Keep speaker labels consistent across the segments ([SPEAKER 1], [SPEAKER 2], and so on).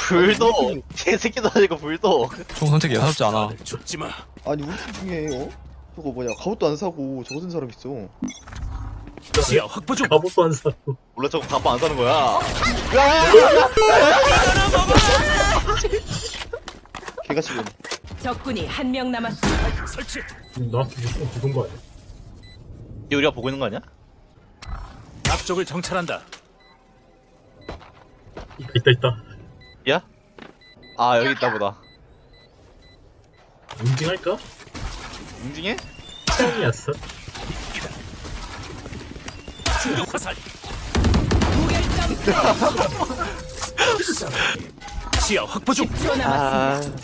[SPEAKER 1] 불도 개새끼도 아니고 불도.
[SPEAKER 2] 총 선택이 예사롭지 않아.
[SPEAKER 3] 죽지 마.
[SPEAKER 4] 아니 우리 팀 중에 저거 뭐냐 갑옷도 안 사고 저거 든 사람 있어.
[SPEAKER 3] 시야 확보 중.
[SPEAKER 5] 갑옷도 안 사고.
[SPEAKER 1] 원래 저거 갑바 안 사는 거야.
[SPEAKER 4] 걔가 지금
[SPEAKER 6] 적군이 한 명 남았습니다.
[SPEAKER 3] 설치.
[SPEAKER 5] 나한테 좀 죽은 거 아니야?
[SPEAKER 1] 이 우리가 보고 있는 거 아니야?
[SPEAKER 3] 앞쪽을 정찰한다.
[SPEAKER 5] 있다.
[SPEAKER 1] 야? 아 여기 있다 보다.
[SPEAKER 5] 응징할까?
[SPEAKER 1] 인증해?
[SPEAKER 5] 처음이었어.
[SPEAKER 3] 충격 화살. 시야 확보 중.
[SPEAKER 6] 10초 남았습니다.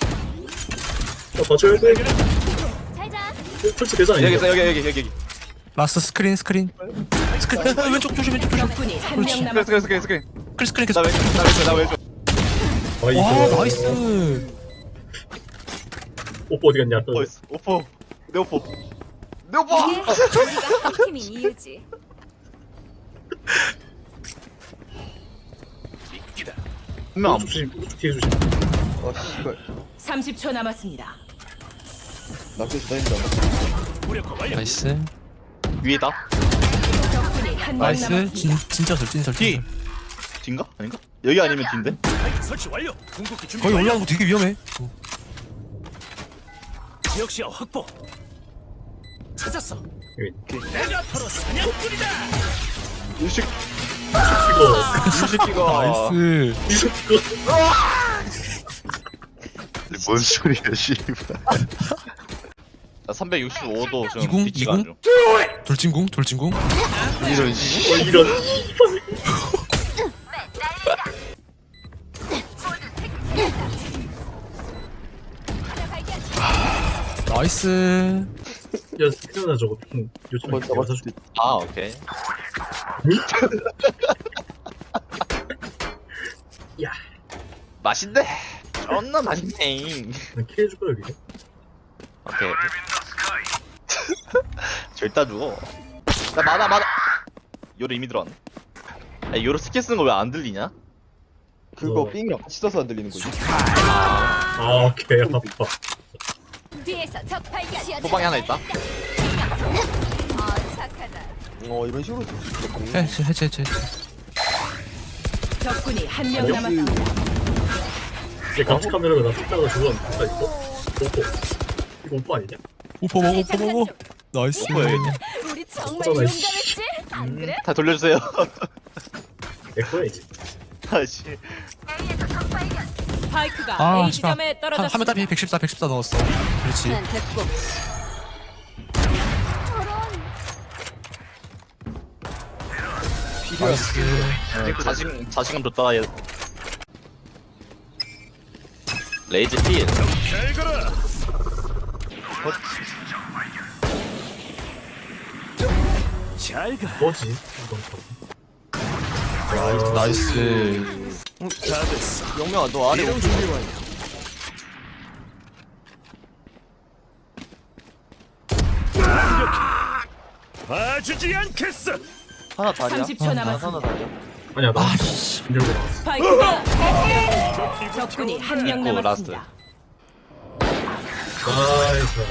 [SPEAKER 5] 봐줘야 돼.
[SPEAKER 6] 잘자.
[SPEAKER 5] 설치 되잖아.
[SPEAKER 1] 여기
[SPEAKER 5] 이거.
[SPEAKER 1] 있어 여기.
[SPEAKER 2] 라스트 스크린. 스크린. 왼쪽 조심.
[SPEAKER 6] 적군이 한 명
[SPEAKER 1] 스크린
[SPEAKER 6] 남았습니다.
[SPEAKER 1] 스크린.
[SPEAKER 2] 계속.
[SPEAKER 1] 나 왼쪽.
[SPEAKER 5] 아,
[SPEAKER 2] 와
[SPEAKER 5] 이거.
[SPEAKER 2] 나이스.
[SPEAKER 5] 오빠 어디 갔냐? 또.
[SPEAKER 1] 어딨어? 오포. 내 오포. 내 오포.
[SPEAKER 6] 우리가 한 팀인 이유지.
[SPEAKER 3] 미끼다.
[SPEAKER 1] 분명
[SPEAKER 5] 오른쪽 조심. 오른쪽 뒤에 조심.
[SPEAKER 4] 아 씨발
[SPEAKER 6] 30초 남았습니다.
[SPEAKER 4] 낙제수 다닌다.
[SPEAKER 3] 무력화 완료.
[SPEAKER 2] 나이스.
[SPEAKER 1] 위에다.
[SPEAKER 6] 적군이 한 명
[SPEAKER 2] 나이스.
[SPEAKER 6] 남았습니다.
[SPEAKER 2] 진짜 설진설.
[SPEAKER 1] 뒤. 뒤인가? 아닌가? 여기 아니면 뒤인데?
[SPEAKER 3] 설치 완료. 궁극기 준비
[SPEAKER 2] 거기
[SPEAKER 3] 완료.
[SPEAKER 2] 올라가는 거 되게 위험해.
[SPEAKER 3] 지역 시야 확보. 찾았어.
[SPEAKER 5] 여기.
[SPEAKER 3] 내가 바로 사냥꾼이다.
[SPEAKER 1] 이 새끼.
[SPEAKER 5] 이거.
[SPEAKER 1] 이 새끼가.
[SPEAKER 2] 나이스.
[SPEAKER 5] 이거.
[SPEAKER 1] 뭔 소리야 씨발. 나 365도 지금
[SPEAKER 2] 이궁?
[SPEAKER 1] 뒤치가 안 줘.
[SPEAKER 2] 돌진궁.
[SPEAKER 1] 이런 씨.
[SPEAKER 5] 이런.
[SPEAKER 2] 나이스.
[SPEAKER 5] 야, 태어나 저거 좀 요즘
[SPEAKER 4] 한번 잡았을 때
[SPEAKER 1] 아 오케이.
[SPEAKER 5] 야,
[SPEAKER 1] 맛있네. 존나 맛있네.
[SPEAKER 5] 킬해줄 거야 여기.
[SPEAKER 1] 오케이. 절대 죽어. 나 맞아. 요로 이미 들어왔네. 야, 요로 스킬 쓰는 거 왜 안 들리냐?
[SPEAKER 4] 그거 삥이랑 같이 써서 안 들리는 거지.
[SPEAKER 5] 아, 개 아파.
[SPEAKER 6] 뒤에서 적 발견.
[SPEAKER 1] 호방에 하나 있다.
[SPEAKER 6] 착하다.
[SPEAKER 4] 이런 식으로 쓸수 있겠네.
[SPEAKER 2] 해체.
[SPEAKER 6] 적군이 한 명 남았습니다.
[SPEAKER 5] 얘 감시 카메라가 나 쫓다가 죽었는데 누가 있어? 오빠. 이거 오빠 아니냐?
[SPEAKER 2] 오퍼 먹어. 나이스.
[SPEAKER 1] 뭐야, 이게?
[SPEAKER 6] 우리 정말
[SPEAKER 5] 어쩌나,
[SPEAKER 6] 용감했지? 안 그래?
[SPEAKER 1] 다 돌려주세요.
[SPEAKER 5] 내 거야 이제.
[SPEAKER 1] 다시.
[SPEAKER 6] 스파이크가
[SPEAKER 2] 아
[SPEAKER 6] A
[SPEAKER 2] 씨발.
[SPEAKER 6] 지점에
[SPEAKER 2] 한명
[SPEAKER 6] 떨어졌습니다.
[SPEAKER 2] 답이 114 넣었어. 그렇지.
[SPEAKER 6] 됐고.
[SPEAKER 2] 나이스.
[SPEAKER 1] 자신감 줬다. 얘. 레이즈 필.
[SPEAKER 3] 잘 가라. 잘 가.
[SPEAKER 5] 뭐지? 이건 또.
[SPEAKER 2] 나이스.
[SPEAKER 3] 다 됐어.
[SPEAKER 1] 영명아 너 아래
[SPEAKER 3] 이동 준비 완료. 완벽해. 봐주지 않겠어.
[SPEAKER 1] 하나 다리야?
[SPEAKER 6] 30초 남았습니다.
[SPEAKER 5] 아니야 나.
[SPEAKER 2] 아씨.
[SPEAKER 5] 들고 나.
[SPEAKER 6] 스파이크가 적군이 한 명
[SPEAKER 1] 됐고,
[SPEAKER 6] 남았습니다.
[SPEAKER 5] 나이스.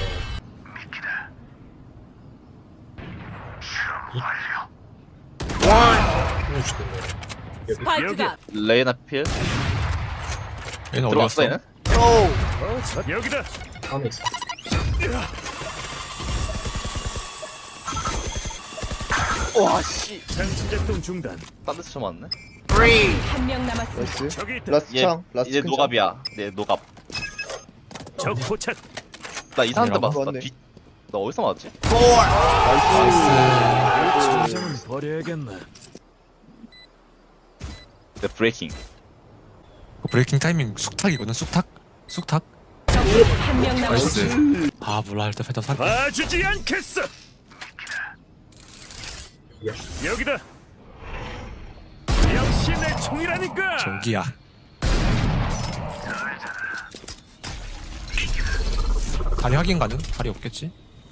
[SPEAKER 5] 오 죽겠네. 여기.
[SPEAKER 6] 스파이크가
[SPEAKER 1] 레이나 필.
[SPEAKER 2] 얘는 어디
[SPEAKER 1] 들어왔어
[SPEAKER 2] 갔어?
[SPEAKER 1] 얘는?
[SPEAKER 3] 여기다.
[SPEAKER 5] 안에 있어.
[SPEAKER 1] 와 씨.
[SPEAKER 3] 장치 작동 중단.
[SPEAKER 1] 딴 데서 쳐 맞네.
[SPEAKER 6] 한 명 남았습니다.
[SPEAKER 4] 나이스.
[SPEAKER 3] 저기 있다.
[SPEAKER 4] 라스트
[SPEAKER 1] 얘
[SPEAKER 4] 창. 라스트
[SPEAKER 1] 이제
[SPEAKER 4] 큰
[SPEAKER 1] 노갑이야. 내 노갑.
[SPEAKER 3] 적 포착.
[SPEAKER 1] 나 이상한 데
[SPEAKER 2] 뭐라고?
[SPEAKER 1] 맞았어.
[SPEAKER 4] 맞네.
[SPEAKER 1] 나 어디서 맞았지?
[SPEAKER 2] 나이스.
[SPEAKER 3] 장은 버려야겠네.
[SPEAKER 1] 내 브레이킹.
[SPEAKER 2] 브레이킹 타이밍 쑥탁이거든. 쑥탁.
[SPEAKER 6] 적군이 한 명 남았습니다.
[SPEAKER 2] 나이스. 아 몰라 일단 패턴 살.
[SPEAKER 3] 봐주지 않겠어.
[SPEAKER 5] 야.
[SPEAKER 3] 여기다. 역시 내 총이라니까.
[SPEAKER 2] 저기야. 다리 확인 가능? 다리 없겠지?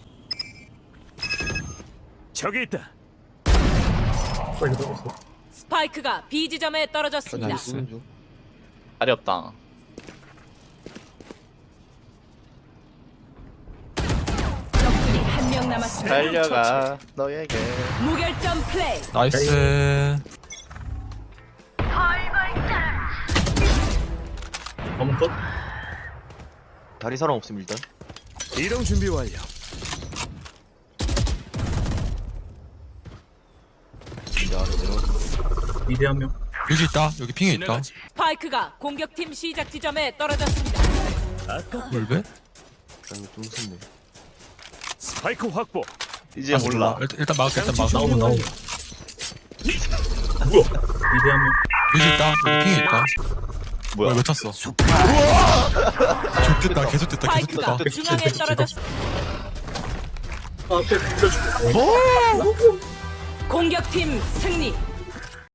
[SPEAKER 3] 저기 있다.
[SPEAKER 5] 빨리 들어갔어.
[SPEAKER 6] 스파이크가 B 지점에 떨어졌습니다.
[SPEAKER 2] 나이스.
[SPEAKER 4] 중.
[SPEAKER 1] 다리 없다.
[SPEAKER 6] 적군이 한 명 남았습니다.
[SPEAKER 1] 달려가 너에게.
[SPEAKER 6] 무결점 플레이.
[SPEAKER 2] 나이스.
[SPEAKER 5] 한번 컷.
[SPEAKER 1] 다리 사람 없음 일단.
[SPEAKER 3] 이동 준비 완료.
[SPEAKER 5] 미대 한 명.
[SPEAKER 2] 여기 있다. 여기 핑에 있다.
[SPEAKER 6] 스파이크가 공격팀 시작 지점에 떨어졌습니다.
[SPEAKER 2] 월배?
[SPEAKER 3] 스파이크 확보.
[SPEAKER 1] 이제 몰라.
[SPEAKER 2] 일단 막을게. 일단 막을게.
[SPEAKER 5] 나오면. 뭐야? 미대 한 명.
[SPEAKER 2] 여기 있다. 여기 핑에 있다.
[SPEAKER 1] 뭐야?
[SPEAKER 2] 왜 쳤어? 좋겠다. 계속 됐다. 계속
[SPEAKER 6] 스파이크가
[SPEAKER 2] 됐다.
[SPEAKER 6] 중앙에 떨어졌습니다.
[SPEAKER 5] 앞에 밀어줄게.
[SPEAKER 6] 공격팀 승리.